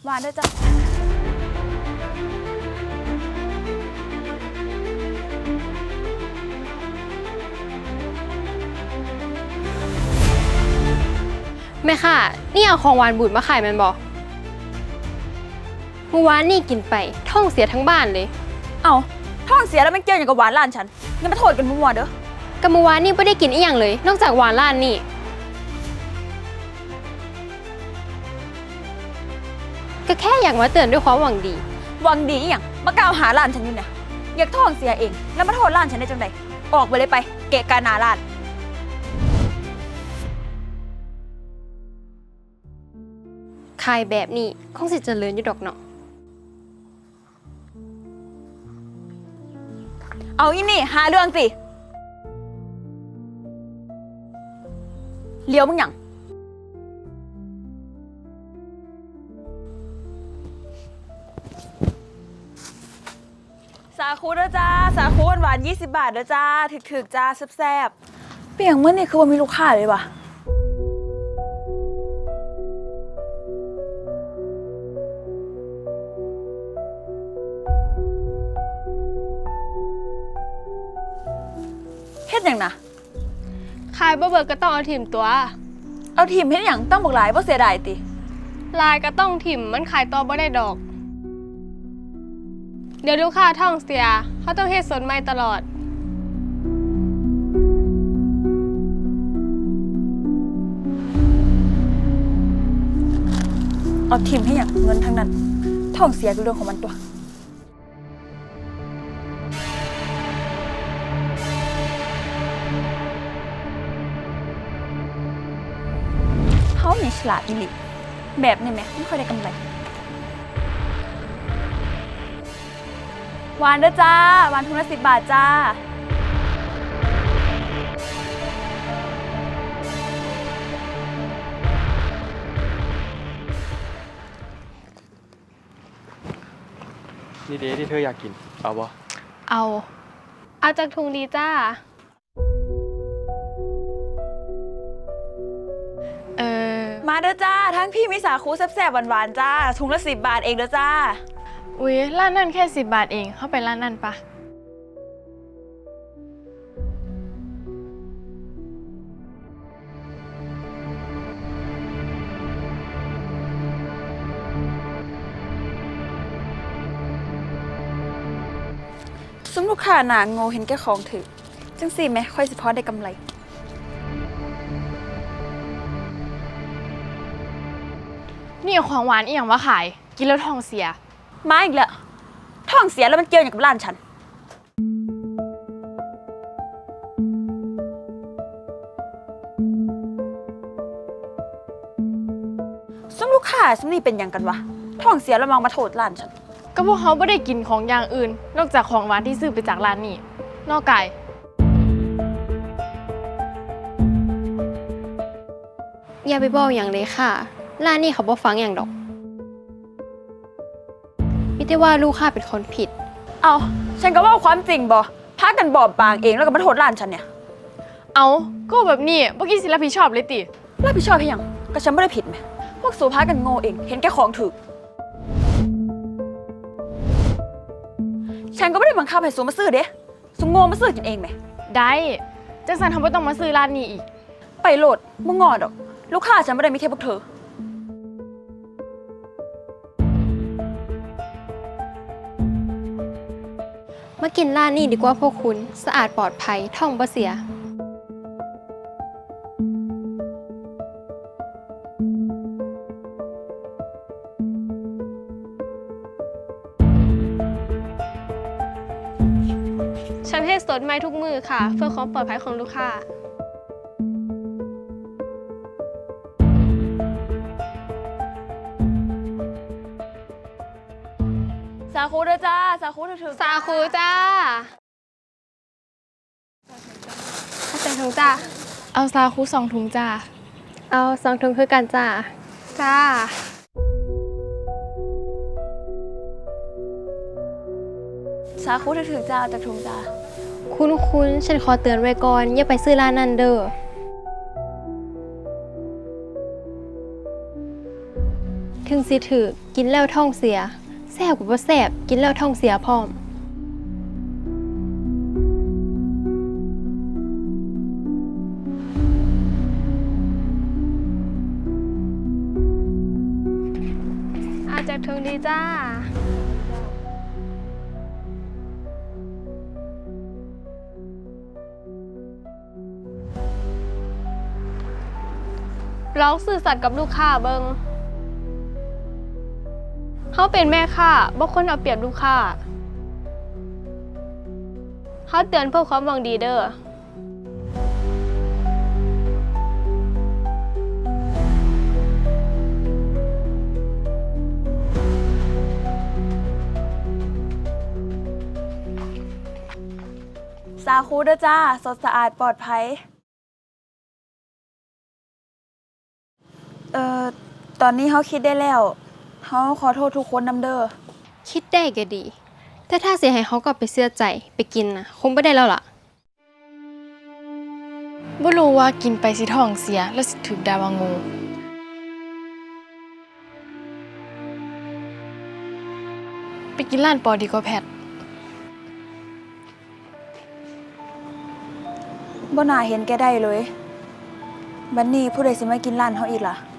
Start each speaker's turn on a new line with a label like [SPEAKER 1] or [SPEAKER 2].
[SPEAKER 1] หวานด้วยจ้ะ
[SPEAKER 2] แม่ค่ะนี่เอาของหวานบูดมาขายแมันบอกเมื่อวานนี่กินไปท้องเสียทั้งบ้านเลย
[SPEAKER 1] เอาท้องเสียแล้วมันเกี่ยวอย่างกับหวานร้านฉันอย่ามาโทษกันมั่วๆเด้อ
[SPEAKER 2] กับเมื่อวานนี่ไม่ได้กินอีหยังเลย นอกจากหวานร้านนี่ก็แค่อยากมาเตือนด้วยความหวังดี
[SPEAKER 1] หวังดีอหย่างมากล่าวหาร้านฉันอยู่เนี่ยอยากท้องเสียเองแล้วมาโทษร้านฉันได้จังใดออกไปเลยไปเกะกะหน้าร้าน
[SPEAKER 2] ขายแบบนี้คงสิเจริญอยู่ดอกเนาะ
[SPEAKER 1] เอาอีนี่หาเรื่องสิเลี้ยวมึงหยังสาคูเด้อจ้าสาคูหวานๆ20 บาทเด้อจ้าถึกๆจ้าแซ่บๆเปียงเมื่อนี่คือว่ามีลูกค้าเลยว่ะเฮ็ดหยังนะ
[SPEAKER 2] ขายบ่เบิกก็ต้องเอาถิ่มตัว
[SPEAKER 1] เอาทีมเฮ็ดหยังต้องบอกหลายบ่เสียดายติ
[SPEAKER 2] ลายก็ต้องถิ่มมันขายต่อบ่ได้ดอก เดี๋ยวลูกค้าท้องเสียเขาต้องเฮ็ดสดใหม่ตลอด
[SPEAKER 1] เอาทีมให้หยังเงินทั้งนั้นท้องเสียคือเรื่องของมันตัวเขาเนี่ยฉลาดอีหลีแบบนี้ไหมไม่ค่อยได้กำไรหวานเด้อจ้าหวานทุนละ10 บาทจ้า
[SPEAKER 3] นี่เดที่เธออยากกิน เอาบ่
[SPEAKER 2] เอาจากถุงดีจ้า
[SPEAKER 1] มาเด้อจ้าทั้งพี่มีสาคูแซ่บๆหวานๆจ้าถุงละ10 บาทเองเด้อจ้า
[SPEAKER 4] อุ๊ยร้านนั่นแค่10 บาทเอง เข้าไปร้านนั่นปะ
[SPEAKER 1] ซุ้มลูกค้าหนาโง่เห็นแก่ของถือจังสิไหมค่อยสิพอได้กำไร
[SPEAKER 4] นี่เอาของหวานอีหยังมาขาย กินแล้วท้องเสีย
[SPEAKER 1] มาอีกแล้วท้องเสียแล้วมันเกี่ยวอย่างกับร้านฉันซุ้มลูกค้าซุ้มนี่เป็นหยังกันวะท้องเสียแล้วมองมาโทษร้านฉัน
[SPEAKER 4] ก็พวกเขาไม่ได้กินของอย่างอื่น นอกจากของหวานที่ซื้อไปจากร้านนี้ นอกไก่
[SPEAKER 2] อย่าไปบอกอย่างเลยค่ะ ร้านนี้เขาบ่ฟังอย่างดอกมิได้ว่าลูกค้าเป็นคนผิด
[SPEAKER 1] เอาฉันก็ว่าความจริงบอพากันบอบบางเองแล้วก็มาโทษร้านฉันเนี่ย
[SPEAKER 4] เอาก็แบบนี้เมื่อกี้สิรับผิดชอบเลยติ
[SPEAKER 1] รับผิดชอบให้ยังก็ฉันไม่ได้ผิดไหมพวกสูพากันโง่เองเห็นแก่ของถือฉันก็ไม่ได้บังคับให้สูมาซื้อเด้สูโง่มาซื้อกินเองไหม
[SPEAKER 4] ได้จังสันทำไมต้องมาซื้อร้านนี้อีก
[SPEAKER 1] ไปโหลดมึงงอดอกลูกค้าฉันไม่ได้มีแค่พวกเธอ
[SPEAKER 2] มากินร้านนี้ดีกว่าพวกคุณสะอาดปลอดภัยท่องบ่เสีย ฉันให้สดใหม่ทุกมือค่ะ เพื่อความปลอดภัยของลูกค้า
[SPEAKER 1] สาคูเด้อจ้าสาคูถือ
[SPEAKER 2] สาคูจ้าเข้าใจถุงจ้า
[SPEAKER 4] เอาซาคุ2 ถุงจ้า
[SPEAKER 2] เอา2 ถุงคือกันจ้า จ้า
[SPEAKER 1] สาคูถือจ้าจากถุงจ้า
[SPEAKER 2] คุณฉันขอเตือนไว้ก่อน อย่าไปซื้อร้านนั้นเด้อถึงสิถือกินแล้วท้องเสียแซ่บกว่าบ่แซ่บกินแล้วท้องเสียพร้อมอาจากถึงดีจ้าลองสื่อสัตย์กับลูกค้าเบิงเขาเป็นแม่ค้าบ่คนเอาเปรียบลูกค้าเขาเตือนเพื่อความหวังดีเด้อ
[SPEAKER 1] สาคูเด้อจ้า สดสะอาดปลอดภัย ตอนนี้เขาคิดได้แล้วเขาขอโทษทุกคนนำเด้อ
[SPEAKER 2] คิดได้ก็ดี แต่ถ้าเสียให้เขากลับไปเสื้อใจไปกินนะคงไม่ได้แล้วล่ะ
[SPEAKER 4] บ่รู้ว่ากินไปสิท้องเสียแล้วสิถูกด่าว่าโงูไปกินร้านปอดีกว่าแพท
[SPEAKER 1] บ่น่าเห็นแกได้เลย บัดนี้ผู้ใดสิมากินร้านเขาอีกล่ะ